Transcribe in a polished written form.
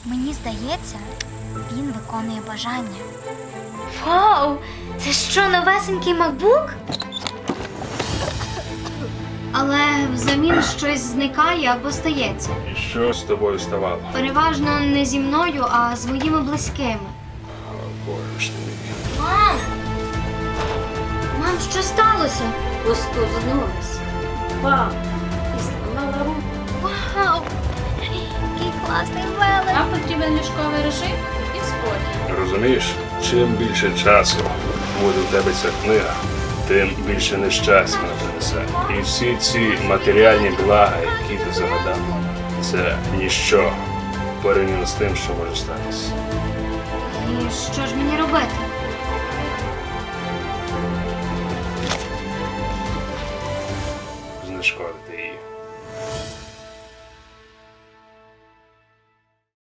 Мені здається, він виконує бажання. Вау! Це що, новесенький MacBook? Але взамін щось зникає або стається. І що з тобою ставало? Переважно не зі мною, а з моїми близькими. О, Боже ж ти мій. Мам! Мам, що сталося? Поскользнулась. Вау! І зламала руку. Вау! Який класний велик! Нам потрібен ліжковий режим і спокій. Розумієш, чим більше часу буде в тебе ця книга, тим більше нещастя вона принесе. І всі ці матеріальні блага, які ти загадав, це ніщо порівняно з тим, що може статися. І що ж мені робити? Знешкода.